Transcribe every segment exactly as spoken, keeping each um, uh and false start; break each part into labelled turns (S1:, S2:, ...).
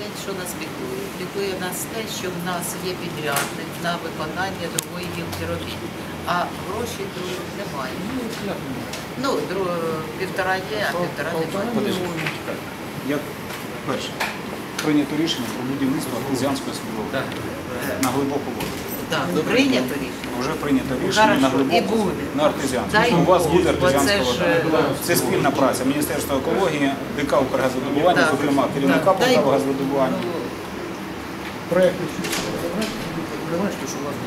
S1: що нас піклує? Піклує нас те, що в нас є підрядник на виконання другої гілки робіт, а гроші другі немає. Ну, друг, півтора є, а півтора немає.
S2: Як перше, прийнято рішення про будівництво артезіанської судової на глибоку воду.
S1: Так, прийнято рішення.
S2: Вже прийнято рішення на глибоку, на артезіанську. У вас буде артезіанська вода. Це спільна праця Міністерства екології, ДК «Укргазвидобування», зокрема керівника Полтава газовидобування.
S3: Проект, ви бачите, що у вас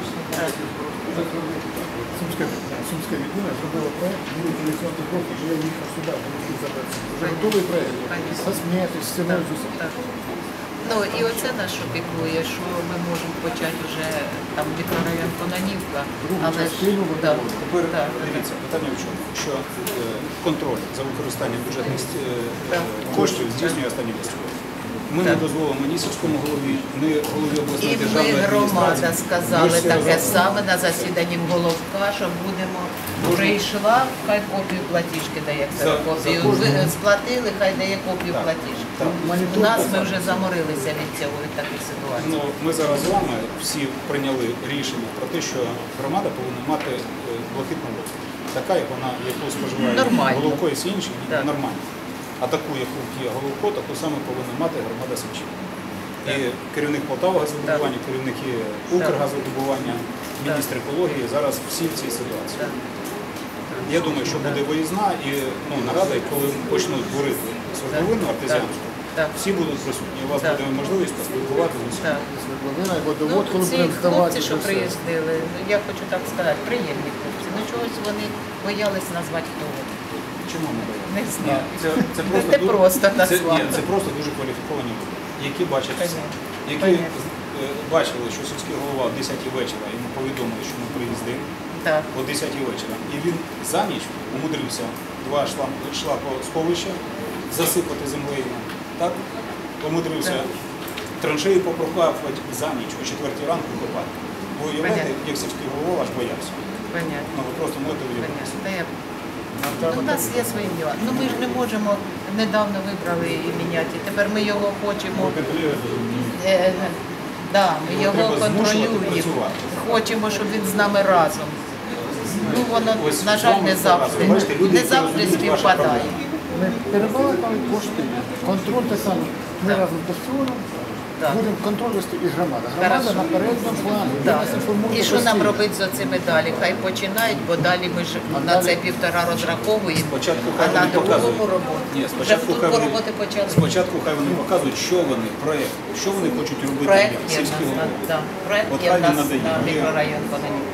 S3: Сумська відділа зробила проект, буде поліціонний крок, і я їхав сюди, тому забрати. Вже готовий проект, со смертю, з стіною, з усім.
S1: Ну і оце нас що піклує, що ми можемо почати вже там мікрорайон Кононівка, але ж
S2: тепер дивіться, питання в чому, що контроль за використанням бюджетних коштів здійснює останній місяць. Ми не дозволимо ні сільському голові, ні голові обласної
S1: і ми,
S2: державної
S1: громада,
S2: адміністрації.
S1: сказали таке саме на засіданні головка, що будемо, прийшла, хай копію платіжки дає, копію, ви сплатили, хай дає копію платіжки. У нас ми вже заморилися від цього, від таких ситуацій.
S2: Ну, ми зараз з вами всі прийняли рішення про те, що громада повинна мати блакитну воду. Така, як вона, яку споживає Головко і всі інші, нормально. А таку, яку є Головко, таку саме повинна мати громада Сумщини. І керівник Полтава газовидобування, керівники Укргазвидобування, міністр екології зараз всі в цій ситуації. Я думаю, що буде виїзна і ну, нарада, і коли почнуть творити свердловину артезіанську, всі будуть присутні. У вас буде можливість поспілкуватися з усіма.
S1: Ну, ці хлопці, що приїздили, я хочу так сказати, приємні хлопці. Ну чогось вони боялись назвати хто вони.
S2: Чому не боялися?
S1: Не знаю.
S2: Це, це, просто,
S1: Це
S2: дуже,
S1: просто
S2: це, ні, це просто дуже кваліфіковані люди, які бачать все. Які е, бачили, що сільський голова о десятій вечора йому повідомили, що ми приїздимо о десятій вечора. І він за ніч умудрився два шлакосховища засипати землею. Так? Умудрився траншеї попрохапувати за ніч, о четвертій ранку копати. Бо уявляєте, як сільський голова аж боявся.
S1: Понятно.
S2: Ну, ви просто можете уявити.
S1: У нас є свої діла. Ну ми ж не можемо, недавно вибрали і міняти. Тепер ми його хочемо, е, да, ми його контролюємо, хочемо, щоб він з нами разом. Ну воно, на жаль, не завжди, не завжди співпадає.
S3: Ми перебалакали кошти, контроль те саме. Ми разом з Бастіоном будемо контроль вести і громада. Громада на передньому плані.
S1: І що нам робити з оцими далі? Хай починають, бо далі ми ж на це півтора розраховуємо, а на другому роботу.
S2: Ні, спочатку хай вони, спочатку хай вони показують, що вони, проєкт, що вони хочуть робити
S1: проєкт
S2: в сільській голові.
S1: Проєкт є в нас на мікрорайон Кононівка.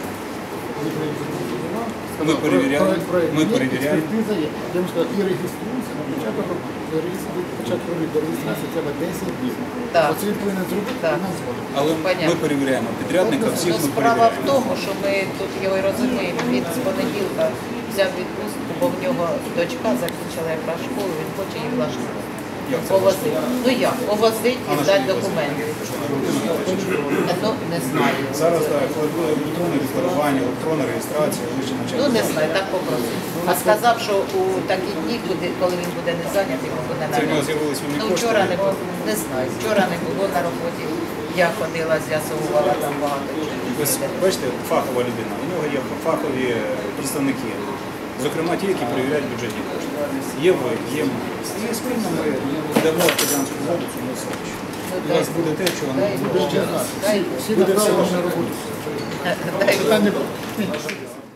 S2: Ми перевіряємо, ми перевіряємо.
S3: Я вам сказав, і реєструюся, на початок початку до реєстрації треба десять днів. Оце він повинен зробити, і нам згодом.
S2: Але ми перевіряємо підрядника, всіх ми
S1: Справа в
S2: перевіряємо.
S1: тому, що ми тут його і розуміємо, він з понеділка взяв відпустку, бо в нього дочка закінчила якраз школу, він хоче її влаштувати. Повозити. Ну як? Повозити і здати документи. Ну, не знаю.
S2: Зараз так, електронне декларування, електронна реєстрація, вище навчання.
S1: Ну, не знаю, так попросив. А сказав, що у такі дні, коли він буде не зайнятий, він буде на
S2: Це в нього
S1: роботі.
S2: з'явились вільні
S1: Ну,
S2: кошти.
S1: вчора не було, не знаю, вчора не було на роботі. Я ходила, з'ясовувала там багато чого.
S2: Ось, бачите, фахова людина, у нього є фахові представники. Зокрема, ті, які перевіряють бюджетні кошти. Є ви, є ми. І спільно ми дамо артезіанську воду цьому селищу. У вас буде те, чого не буде.
S3: Всі направлені на роботу.
S1: Дай Бог.